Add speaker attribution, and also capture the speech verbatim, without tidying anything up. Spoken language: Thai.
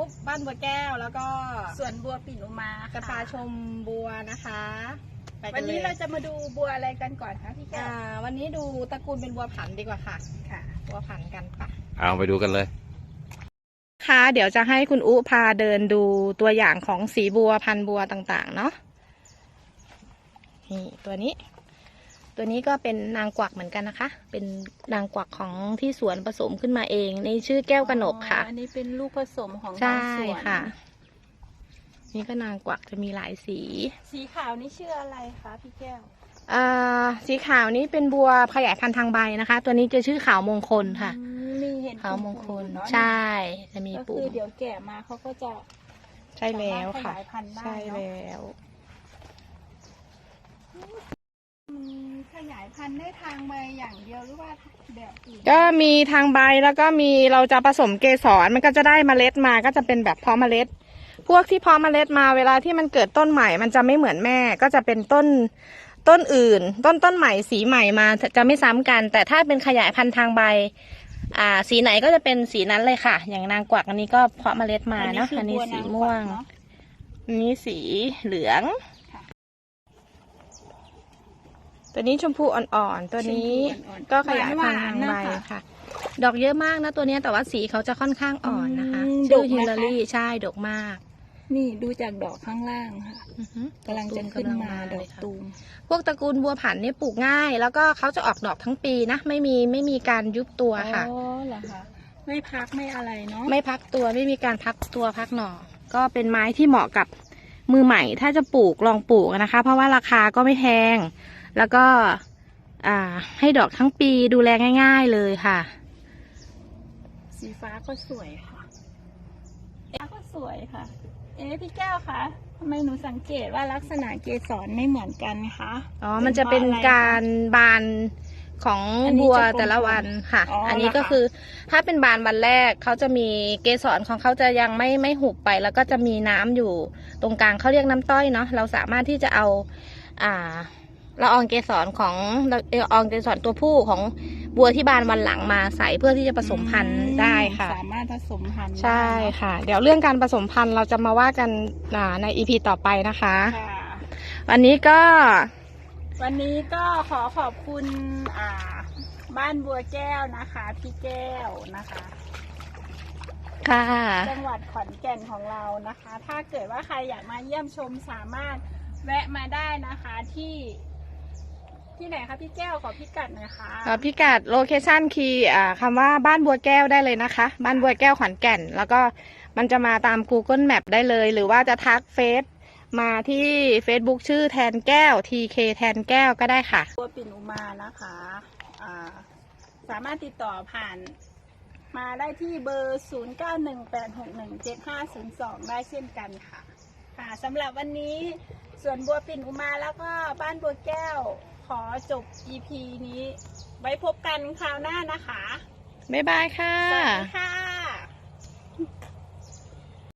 Speaker 1: บ้านบัวแก้วแล้วก็
Speaker 2: สวนบัวปิ่นอุมาค่ะ
Speaker 1: จะพาชมบัวนะคะไปกั
Speaker 2: วัน น
Speaker 1: เล
Speaker 2: นี้
Speaker 1: ย
Speaker 2: เราจะมาดูบัวอะไรกันก่อนคะพี่แก้
Speaker 1: อ่าววันนี้ดูตระกูลเป็นบัวผันดีกว่าค่ะ
Speaker 2: ค่ะ
Speaker 1: บัวผันกันค่ะ
Speaker 3: เอาไปดูกันเลย
Speaker 1: ค่ะเดี๋ยวจะให้คุณอุพาเดินดูตัวอย่างของสีบัวพันธุ์บัวต่างๆเนาะนี่ตัวนี้ ตัวนี้ก็เป็นนางกวักเหมือนกันนะคะ เป็นนางกวักของที่สวนผสมขึ้นมาเองในชื่อแก้วกนกค่ะ
Speaker 2: อันนี้เป็นลูกผสมของ
Speaker 1: ใช่
Speaker 2: ทางสวน
Speaker 1: ค่ะ นี่ก็นางกวักจะมีหลายสี
Speaker 2: สีขาวนี่ชื่ออะไรคะพี่แก้ว
Speaker 1: อ่าสีขาวนี้เป็นบัวขยายพันธุ์ทางใบนะคะ ตัวนี้จะชื่อขาวมงคลค่ะ
Speaker 2: อืมนี่เห็น
Speaker 1: ขาวมงคล
Speaker 2: ปุ่ๆเนาะ
Speaker 1: ใช่จะมี
Speaker 2: ก็
Speaker 1: ปุ่
Speaker 2: คือ
Speaker 1: ม
Speaker 2: เดี๋ยวแก่มาเขาก็จะ
Speaker 1: ใช่แล้วค่ะ
Speaker 2: สามารถขยายพันธุ์ได้
Speaker 1: ใช่
Speaker 2: เนอะ
Speaker 1: แล้ว
Speaker 2: มันขยายพันธุ์ได้ทางใบอย่างเดียวหรือว่าแบบอื่น
Speaker 1: ก็มีทางใบแล้วก็มีเราจะผสมเกสรมันก็จะได้เมล็ดมาก็จะเป็นแบบเพาะเมล็ด พวกที่เพาะเมล็ดมาเวลาที่มันเกิดต้นใหม่มันจะไม่เหมือนแม่ก็จะเป็นต้นต้นอื่น ต้นต้นใหม่สีใหม่มาจะไม่ซ้ำกัน แต่ถ้าเป็นขยายพันธุ์ทางใบอ่าสีไหนก็จะเป็นสีนั้นเลยค่ะ อย่างนางกวักอันนี้ก็เพาะเมล็ดมาเนาะอันนี้สีม่วง
Speaker 2: เนาะ
Speaker 1: อันนี้สีเหลือง
Speaker 2: ค่ะ
Speaker 1: ตัวนี้ชมพูอ่อนๆตัวนี้
Speaker 2: ชมพูอ่อนๆ
Speaker 1: ก็ขยายพันธุ์ทางใบ
Speaker 2: หวานๆนะคะ
Speaker 1: ค่ะ ดอกเยอะมากนะตัวเนี้ยแต่ว่าสีเขาจะค่อนข้างอ่อนนะคะ
Speaker 2: อืม
Speaker 1: ชื่อ
Speaker 2: ดกไหม
Speaker 1: ฮิลลา
Speaker 2: คะ
Speaker 1: รีใช่ดกมาก
Speaker 2: นี่ดูจากดอกข้างล่างค่ะ
Speaker 1: อือฮึ
Speaker 2: กำลังจะขึ้นมาดอกตูม
Speaker 1: พวกตระกูลบัวผันเนี่ยปลูกง่าย แล้วก็เขาจะออกดอกทั้งปีนะ ไม่มีไม่มีการยุบตัวค่ะ
Speaker 2: อ๋อเหรอคะไม่พักไม่อะไรเนาะ
Speaker 1: ไม่พักตัวไม่มีการพักตัวพักหน่อ ก็เป็นไม้ที่เหมาะกับมือใหม่ ถ้าจะปลูกลองปลูกนะคะ เพราะว่าราคาก็ไม่แพง แล้วก็อ่าให้ดอกทั้งปีดูแลง่าย ๆเลยค่ะ
Speaker 2: สีฟ้าก็สวยค่ะฟ้าก็สวยค่ะ เอ๊ะพี่แก้วคะทำไมหนูสังเกตว่าลักษณะเกสรไม่เหมือนกันคะ
Speaker 1: อ๋อ มันจะเป็นการบานของ
Speaker 2: อันนี้
Speaker 1: บัว
Speaker 2: จะกลมๆ
Speaker 1: แต่ละวันค่ะ
Speaker 2: อ๋ออั
Speaker 1: อันนี้
Speaker 2: เหรอคะ
Speaker 1: ก็คือถ้าเป็นบานวันแรกเขาจะมีเกสรของเขาจะยังไม่ไม่หุบไป แล้วก็จะมีน้ำอยู่ตรงกลางเขาเรียกน้ำต้อยเนาะ เราสามารถที่จะเอาอ่าละอองเกสรของละอองเกสรตัวผู้ของบัวที่บานวันหลังมาใส่เพื่อที่จะผสมพันธุ์ได้ค่ะ
Speaker 2: สามารถผสมพันธุ์
Speaker 1: ใช่
Speaker 2: ได้เนอะ
Speaker 1: ค่ะ เดี๋ยวเรื่องการผสมพันธุ์เราจะมาว่ากันอ่าในอีพีต่อไปนะคะ
Speaker 2: ค่ะ
Speaker 1: วันนี้ก็
Speaker 2: วันนี้ก็ขอขอบคุณอ่าบ้านบัวแก้วนะคะพี่แก้วนะคะ
Speaker 1: ค่ะ
Speaker 2: จังหวัดขอนแก่นของเรานะคะ ถ้าเกิดว่าใครอยากมาเยี่ยมชมสามารถแวะมาได้นะคะที่ที่ไหนคะพี่แก้วขอพิกัดหน่อยค่ะ
Speaker 1: อ่าพิกัดโลเคชันคีย์อ่าคำว่าบ้านบัวแก้วได้เลยนะคะ บ้านบัวแก้วขอนแก่น แล้วก็มันจะมาตาม Google Map ได้เลย หรือว่าจะทักเฟซมาที่ Facebook ชื่อแทนแก้ว ที เค แทนแก้วก็ได้ค่ะ
Speaker 2: บัวปิ่นอุมานะคะอ่าสามารถติดต่อผ่านมาได้ที่เบอร์ ศูนย์ เก้า หนึ่ง แปด หก หนึ่ง เจ็ด ห้า ศูนย์ สอง ได้เช่นกันค่ะค่ะสำหรับวันนี้สวนบัวปิ่นอุมาแล้วก็บ้านบัวแก้วขอจบ อี พี นี้ไว้พบกันคราวหน้านะคะ
Speaker 1: บ๊ายบายค่ะ
Speaker 2: สวัสดีค่ะ